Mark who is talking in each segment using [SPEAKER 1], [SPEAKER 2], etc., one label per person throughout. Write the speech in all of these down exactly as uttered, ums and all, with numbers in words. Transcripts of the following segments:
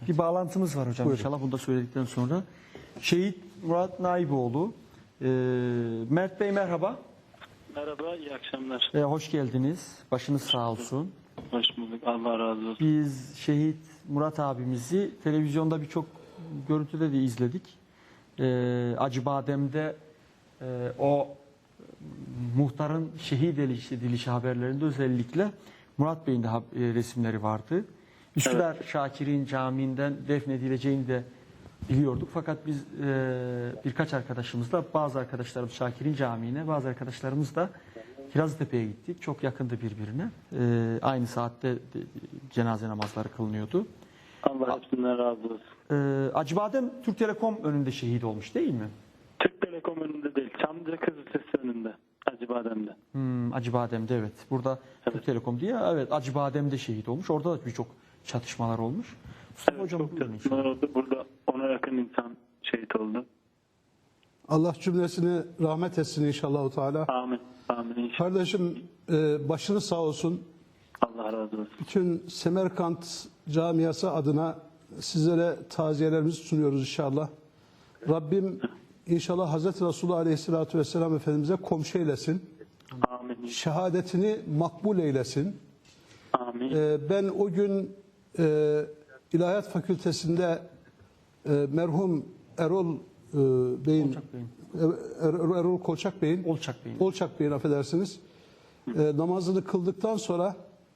[SPEAKER 1] Bir bağlantımız var hocam
[SPEAKER 2] Buyurun.
[SPEAKER 1] inşallah bunu da söyledikten sonra. Şehit Murat Naiboğlu. Ee, Mert Bey merhaba.
[SPEAKER 3] Merhaba, iyi akşamlar.
[SPEAKER 1] Ee, hoş geldiniz. Başınız sağ olsun.
[SPEAKER 3] Hoş bulduk, Allah razı olsun.
[SPEAKER 1] Biz şehit Murat abimizi televizyonda birçok görüntüde de izledik. Ee, Acıbadem'de e, o muhtarın şehit edilişi, edilişi haberlerinde özellikle Murat Bey'in de ha- e, resimleri vardı. Üsküdar Şakir'in camiinden defnedileceğini de biliyorduk. Fakat biz e, birkaç arkadaşımızla, bazı arkadaşlarımız Şakir'in camiine, bazı arkadaşlarımız da Kirazlıtepe'ye gittik. Çok yakındı birbirine. E, aynı saatte de, cenaze namazları kılınıyordu.
[SPEAKER 3] Allah hepsinden razı olsun.
[SPEAKER 1] E, Acıbadem Türk Telekom önünde şehit olmuş değil mi?
[SPEAKER 3] Türk Telekom önünde değil, Çamlıca Kızılsesi önünde, Acıbadem'de.
[SPEAKER 1] Hmm, Acıbadem'de evet. Burada Türk
[SPEAKER 3] Evet.
[SPEAKER 1] Telekom diye evet Acıbadem'de şehit olmuş. Orada da birçok çatışmalar olmuş. Mustafa
[SPEAKER 3] Evet,
[SPEAKER 1] hocam
[SPEAKER 3] çok
[SPEAKER 1] buyurun
[SPEAKER 3] çatışmalar
[SPEAKER 1] inşallah.
[SPEAKER 3] oldu. Burada ona yakın insan şehit oldu.
[SPEAKER 2] Allah cümlesini rahmet etsin inşallah Teala.
[SPEAKER 3] Amin, amin inşallah.
[SPEAKER 2] Kardeşim e, başınız sağ olsun.
[SPEAKER 3] Allah razı olsun.
[SPEAKER 2] Bütün Semerkant camiası adına sizlere taziyelerimizi sunuyoruz inşallah. Rabbim inşallah Hazreti Resulullah Aleyhisselatü Vesselam Efendimiz'e komşu eylesin.
[SPEAKER 3] Amin, inşallah.
[SPEAKER 2] Şehadetini makbul eylesin.
[SPEAKER 3] Amin.
[SPEAKER 2] E, ben o gün e, İlahiyat Fakültesi'nde e, merhum Erol e, Bey'in
[SPEAKER 1] Kolçak Bey'in.
[SPEAKER 2] Er- Erol Kolçak Bey'in
[SPEAKER 1] Olçak Bey'in.
[SPEAKER 2] Olçak Bey'in affedersiniz. E, namazını kıldıktan sonra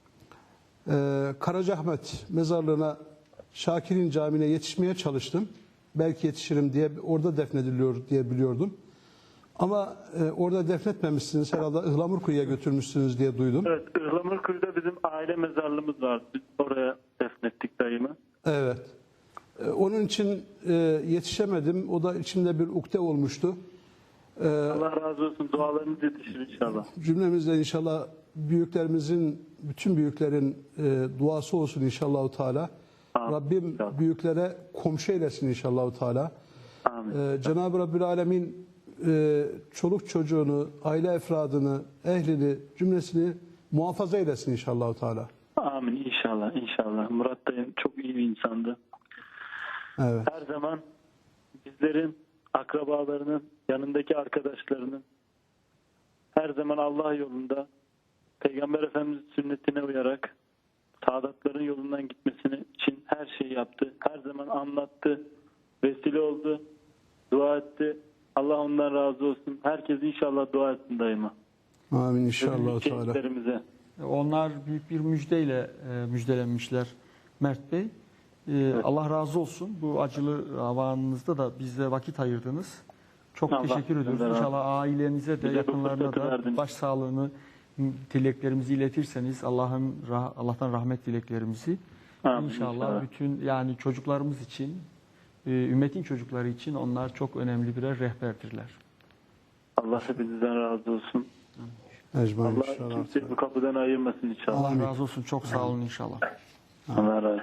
[SPEAKER 2] e, Karacaahmet mezarlığına Şakir'in camiine yetişmeye çalıştım. Belki yetişirim diye orada defnediliyor diye biliyordum. Ama e, orada defnetmemişsiniz herhalde Ihlamurkuyu'ya götürmüşsünüz diye duydum.
[SPEAKER 3] Evet, Ihlamurkuyu'da bizim aile mezarlığımız var. Biz oraya defnettik dayımı.
[SPEAKER 2] Evet. E, Onun için e, yetişemedim. O da içimde bir ukde olmuştu. E,
[SPEAKER 3] Allah razı olsun, dualarınız yetişir inşallah.
[SPEAKER 2] Cümlemizden inşallah büyüklerimizin, bütün büyüklerin e, duası olsun inşallah Teala.
[SPEAKER 3] Amin.
[SPEAKER 2] Rabbim
[SPEAKER 3] İnşallah.
[SPEAKER 2] büyüklere komşu eylesin inşallah Teala.
[SPEAKER 3] Amin.
[SPEAKER 2] E, Cenab-ı Rabbül Alemin e, çoluk çocuğunu, aile efradını, ehlini, cümlesini muhafaza eylesin inşallah Teala.
[SPEAKER 3] Amin inşallah, inşallah. Murat dayım çok iyi bir insandı.
[SPEAKER 2] Evet.
[SPEAKER 3] Her zaman bizlerin, akrabalarının, yanındaki arkadaşlarının her zaman Allah yolunda Peygamber Efendimiz sünnetine uyarak Sadatların yolundan gitmesini için her şeyi yaptı. Her zaman anlattı, vesile oldu, dua etti. Allah ondan razı olsun. Herkes inşallah dua etsin daima.
[SPEAKER 2] Amin inşallah
[SPEAKER 3] Ölümlü
[SPEAKER 2] Teala.
[SPEAKER 3] şehitlerimize.
[SPEAKER 1] Onlar büyük bir müjdeyle e, müjdelenmişler Mert Bey. E, Allah razı olsun. Bu acılı havanınızda da bize vakit ayırdınız. Çok
[SPEAKER 3] Allah
[SPEAKER 1] teşekkür ediyoruz.
[SPEAKER 3] sizden razı
[SPEAKER 1] İnşallah ailenize de
[SPEAKER 3] Bize bu
[SPEAKER 1] yakınlarına
[SPEAKER 3] fırsatı
[SPEAKER 1] da
[SPEAKER 3] verdiniz.
[SPEAKER 1] başsağlığını, dileklerimizi iletirseniz Allah'ın rah- Allah'tan rahmet dileklerimizi
[SPEAKER 3] Amin,
[SPEAKER 1] inşallah,
[SPEAKER 3] inşallah.
[SPEAKER 1] bütün yani çocuklarımız için, e, ümmetin çocukları için onlar çok önemli birer rehberdirler.
[SPEAKER 3] Allah hepinizden razı olsun.
[SPEAKER 2] Ecmaîn
[SPEAKER 3] Allah
[SPEAKER 2] inşallah.
[SPEAKER 3] kimseyi bu kapıdan ayırmasın inşallah.
[SPEAKER 1] Allah razı olsun. Çok sağ olun inşallah.
[SPEAKER 3] Allah razı olsun.